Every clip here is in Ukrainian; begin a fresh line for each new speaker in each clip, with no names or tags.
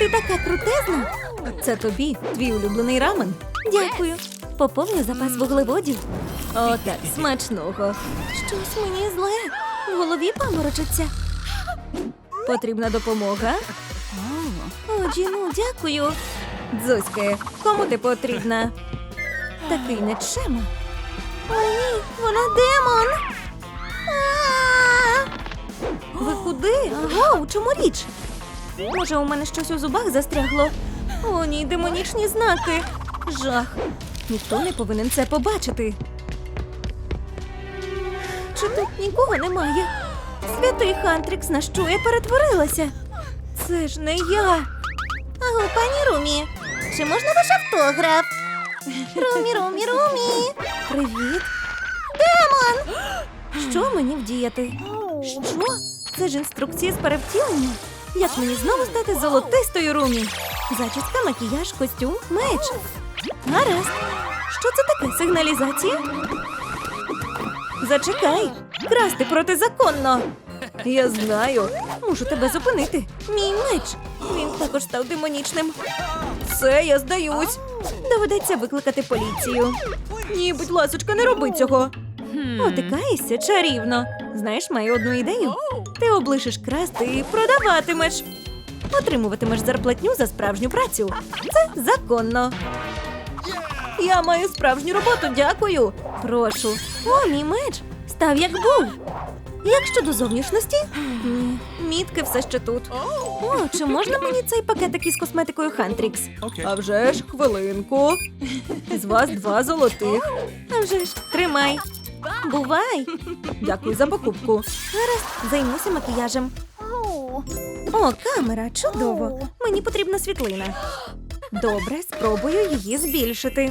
Ти така крутезна. Це тобі, твій улюблений рамен. Дякую. Поповню запас вуглеводів. О, так, смачного. Щось мені зле. В голові паморочиться. Потрібна допомога? О, Джіну, дякую. Дзузьки, кому ти потрібна? Такий нечема. О, ні, вона демон. А-а-а! Ви куди? Аго, у чому річ? Може, у мене щось у зубах застрягло? О, ні, демонічні знаки. Жах. Ніхто не повинен це побачити. Чи тут нікого немає? Святий Хантрікс, на що я перетворилася? Це ж не я. Аго, пані Румі, чи можна ваш автограф? Румі, Румі, Румі. Привіт. Демон! Що мені вдіяти? Що? Це ж інструкції з перевтілення. Як мені знову стати золотистою Румі? Зачіска, макіяж, костюм, меч. Гаразд. Що це таке? Сигналізація? Зачекай. Красти протизаконно. Я знаю. Мушу тебе зупинити. Мій меч. Він також став демонічним. Все, я здаюсь. Доведеться викликати поліцію. Ні, будь ласочка, не роби цього. Отикаєшся чарівно. Знаєш, маю одну ідею. Ти облишиш красти і продаватимеш. Отримуватимеш зарплатню за справжню працю. Це законно. Я маю справжню роботу, дякую. Прошу. О, мій меч. Став як був. Як щодо зовнішності? Ні, мітки все ще тут. О, чи можна мені цей пакетик із косметикою Хантрікс? А вже ж, хвилинку. З вас 2 золотих. А вже ж, тримай. Бувай. Дякую за покупку. Гаразд, займуся макіяжем. О, камера, чудово. Мені потрібна світлина. Добре, спробую її збільшити.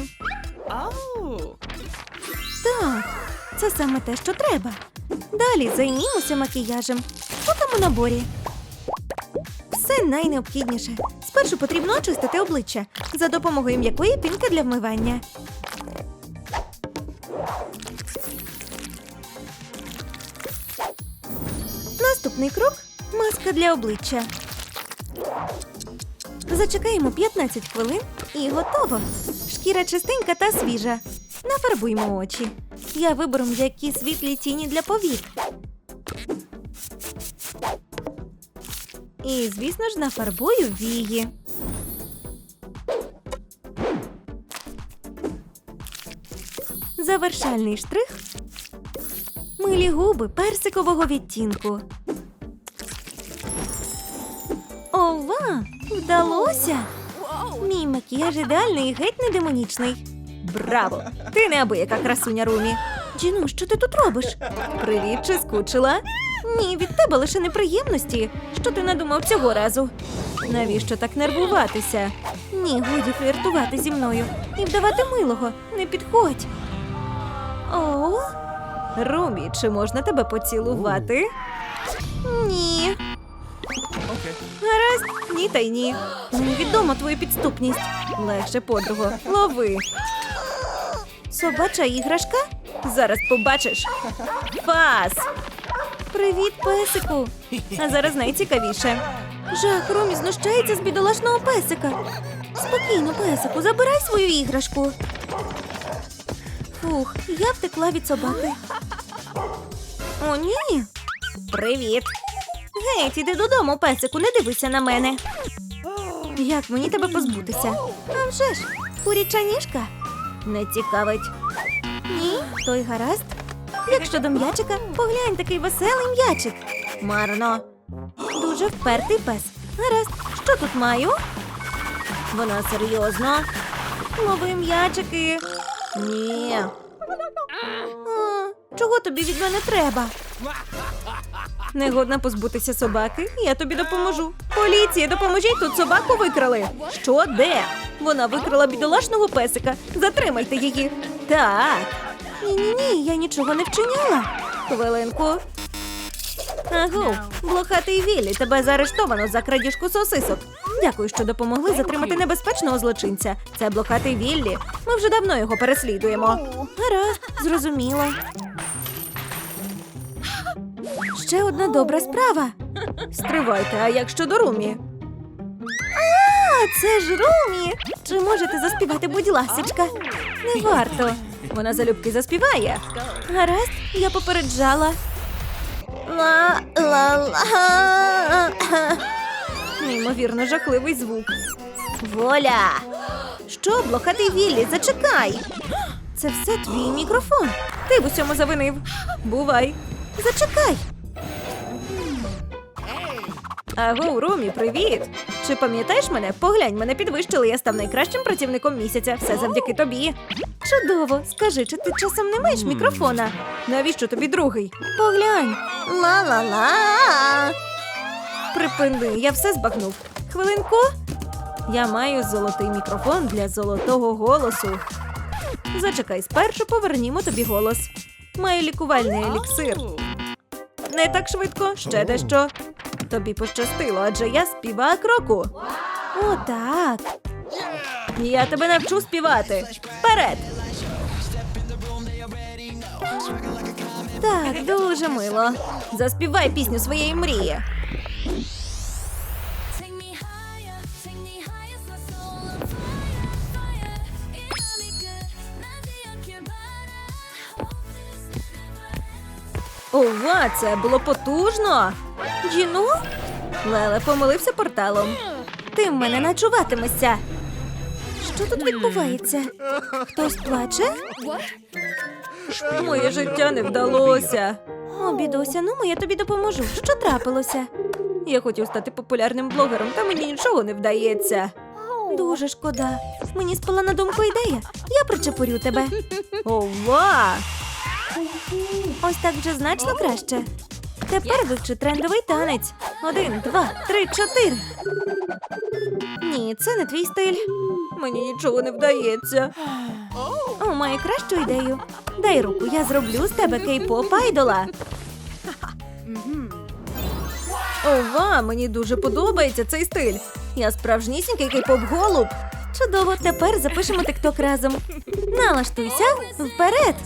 Так, це саме те, що треба. Далі займімося макіяжем. Що там у наборі? Все найнеобхідніше. Спершу потрібно очистити обличчя за допомогою м'якої пінки для вмивання. Наступний крок – маска для обличчя. Зачекаємо 15 хвилин і готово. Шкіра чистенька та свіжа. Нафарбуймо очі. Я виберу м'які світлі тіні для повік. І, звісно ж, нафарбую вії. Завершальний штрих – милі губи персикового відтінку. Ова! Вдалося! Мій макіяж ідеальний і геть не демонічний. Браво! Ти неабияка красуня, Румі. Джіну, що ти тут робиш? Привіт, чи скучила? Ні, від тебе лише неприємності. Що ти надумав цього разу? Навіщо так нервуватися? Ні, годі фліртувати зі мною. І вдавати милого. Не підходь. О? Румі, чи можна тебе поцілувати? Ні. Гаразд, ні та й ні. Мені відома твоя підступність. Легше, подруго, лови. Собача іграшка? Зараз побачиш. Фас! Привіт, песику. А зараз найцікавіше. Жах, Румі знущається з бідолашного песика. Спокійно, песику, забирай свою іграшку. Фух, я втекла від собаки. О, ні. Привіт. Геть, іди додому, песику, не дивися на мене. Як мені тебе позбутися? А вже ж, куряча ніжка? Не цікавить. Ні, той гаразд. Як щодо м'ячика, поглянь, такий веселий м'ячик. Марно. Дуже впертий пес. Гаразд, що тут маю? Вона серйозно. Лови м'ячики. Ні. Чого тобі від мене треба? Негодна позбутися собаки? Я тобі допоможу. Поліція, допоможіть, тут собаку викрали. Що? Де? Вона викрала бідолашного песика. Затримайте її. Так. Ні-ні-ні, я нічого не вчиняла. Хвилинку. Агу, блохатий Віллі, тебе заарештовано за крадіжку сосисок. Дякую, що допомогли затримати небезпечного злочинця. Це блохатий Віллі. Ми вже давно його переслідуємо. Гаразд, зрозуміла. Ще одна добра справа. Стривайте, а як щодо Румі? це ж Румі! Чи можете заспівати, будь ласочка? Не варто. Вона залюбки заспіває. Гаразд, я попереджала. Ла-ла-ла. Неймовірно жахливий звук. Воля! Що, блохатий Віллі, зачекай! Це все твій мікрофон. Ти в усьому завинив. Бувай. Зачекай. Аго, Румі, привіт! Чи пам'ятаєш мене? Поглянь, мене підвищили, я став найкращим працівником місяця. Все завдяки тобі. Чудово! Скажи, чи ти часом не маєш мікрофона? Навіщо тобі другий? Поглянь. Ла-ла-ла. Припини, я все збагнув. Хвилинку. Я маю золотий мікрофон для золотого голосу. Зачекай, спершу повернімо тобі голос. Маю лікувальний еліксир. Не так швидко, ще дещо. Тобі пощастило, адже я співак року. О, так. Я тебе навчу співати. Вперед! Так, дуже мило. Заспівай пісню своєї мрії. Ова, це було потужно! Джіну? Леле помилився порталом. Ти в мене начуватимешся. Що тут відбувається? Хтось плаче? Моє життя не вдалося. О, бідуся, ну я тобі допоможу. Що трапилося? Я хотів стати популярним блогером, та мені нічого не вдається. Дуже шкода. Мені спала на думку ідея. Я причепурю тебе. Ова! Ось так вже значно краще. Тепер вивчи трендовий танець. 1, 2, 3, 4. Ні, це не твій стиль. Мені нічого не вдається. О, маю кращу ідею. Дай руку, я зроблю з тебе кей-поп айдола. Ова, мені дуже подобається цей стиль. Я справжнісінький кей-поп голуб. Чудово, тепер запишемо тикток разом. Налаштуйся, вперед!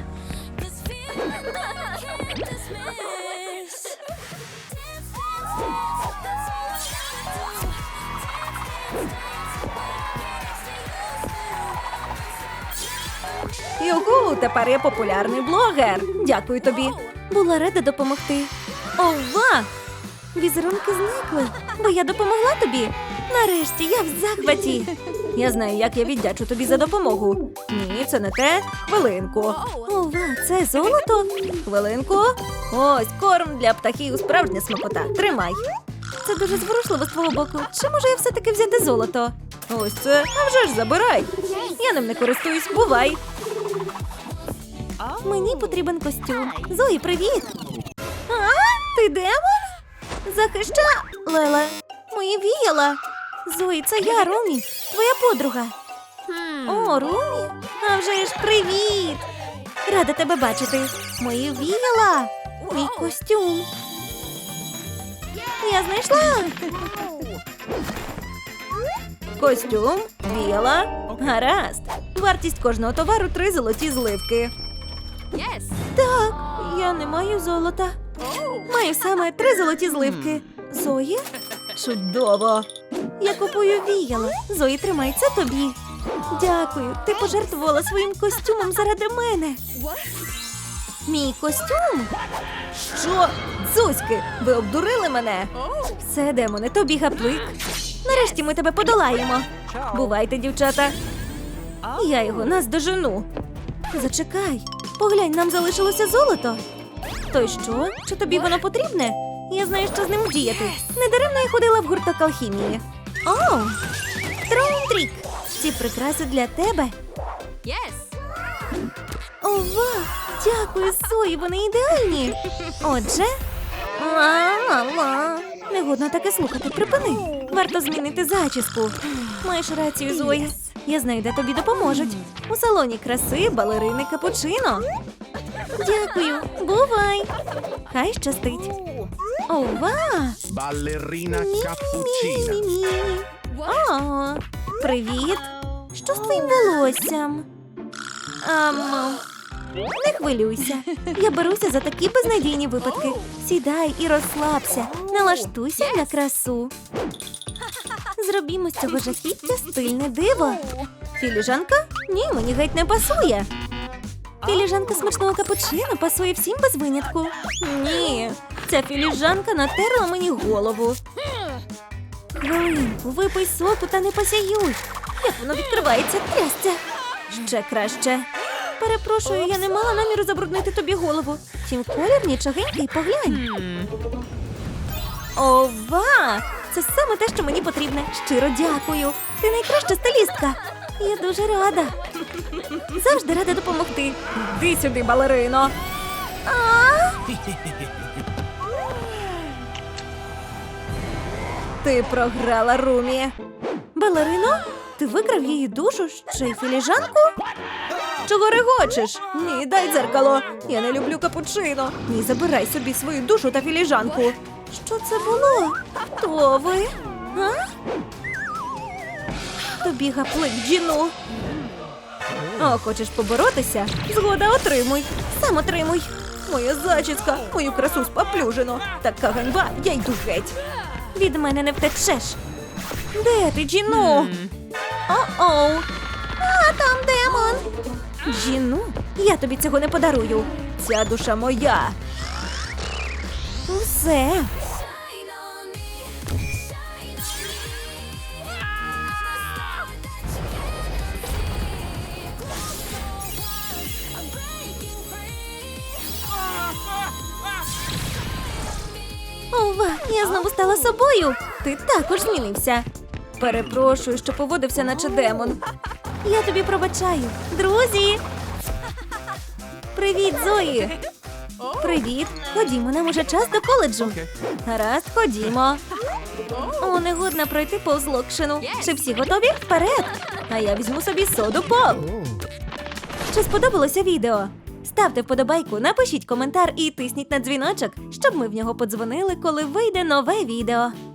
Югу, тепер я популярний блогер. Дякую тобі. Була рада допомогти. Ова! Візерунки зникли, бо я допомогла тобі. Нарешті я в захваті. Я знаю, як я віддячу тобі за допомогу. Ні, це не те. Хвилинку. Ова, це золото? Хвилинку. Ось корм для птахів, справжня смакота. Тримай. Це дуже зворушливо з твого боку. Чи можу я все-таки взяти золото? Ось це. А вже ж забирай. Я ним не користуюсь. Бувай. Мені потрібен костюм. Зої, привіт. А? Ти демон? Захища... Леле, мої віяла. Зої, це я, Румі, твоя подруга. О, Румі? А вже ж привіт. Рада тебе бачити. Мої віяла. Мій костюм. Я знайшла. Костюм, віяла. Гаразд. Вартість кожного товару 3 золоті зливки. Так, я не маю золота. Маю саме 3 золоті зливки. Зої? Чудово. Я купую віяло. Зої, тримай, це тобі. Дякую, ти пожертвувала своїм костюмом заради мене. Мій костюм? Що? Дзузьки, ви обдурили мене? Все, демоне, тобі гаплик. Нарешті ми тебе подолаємо. Бувайте, дівчата. Я його наздожену. Зачекай, поглянь, нам залишилося золото. То й що? Чи тобі воно потрібне? Я знаю, що з ним діяти. Недаремно я ходила в гурток алхімії. О, Траунтрік! Ці прикраси для тебе. Ова, дякую, Зої, вони ідеальні. Отже, ла-ла-ла. Не годно таке слухати, припини. Варто змінити зачіску. Маєш рацію, Зої. Я знаю, де тобі допоможуть. У салоні краси балерини Капучино. Дякую, бувай. Хай щастить. Ова!
Балерина Капучина.
Мі-мі-мі-мі. О, привіт. Що з твоїм волоссям? Не хвилюйся. Я беруся за такі безнадійні випадки. Сідай і розслабся. Налаштуйся на красу. Зробімо з цього жахіття стильне диво. Філіжанка? Ні, мені геть не пасує. Філіжанка смачного капучино пасує всім без винятку. Ні, ця філіжанка натерла мені голову. Хвилинку, випий соку та не посяюй. Як воно відкривається, трясця. Ще краще. Перепрошую, я не мала наміру забруднити тобі голову. Втім, колір нічогенький, поглянь. Ова! Це саме те, що мені потрібне. Щиро дякую. Ти найкраща стилістка. Я дуже рада. Завжди рада допомогти. Іди сюди, балерино. Ти програла, Румі. Балерино? Ти викрав її душу, ще й філіжанку? Чого регочеш? Ні, дай дзеркало. Я не люблю капучино. Ні, забирай собі свою душу та філіжанку. Що це було? Хто ви? А? Тобі гаплик, Джіну. О, хочеш поборотися? Згода, отримуй. Сам отримуй. Моя зачіска, мою красу спаплюжено. Така ганьба, я йду геть. Від мене не втечеш. Де ти, Джіну? О-оу. А, там демон. Джіну, я тобі цього не подарую. Ця душа моя. Усе. Ова, я знову стала собою. Ти також змінився. Перепрошую, що поводився наче демон. Я тобі пробачаю. Друзі! Привіт, Зої! Привіт! Ходімо, нам уже час до коледжу. Гаразд, ходімо. О, негодно пройти повз локшину. Чи всі готові? Вперед! А я візьму собі соду поп. Чи сподобалося відео? Ставте вподобайку, напишіть коментар і тисніть на дзвіночок, щоб ми в нього подзвонили, коли вийде нове відео.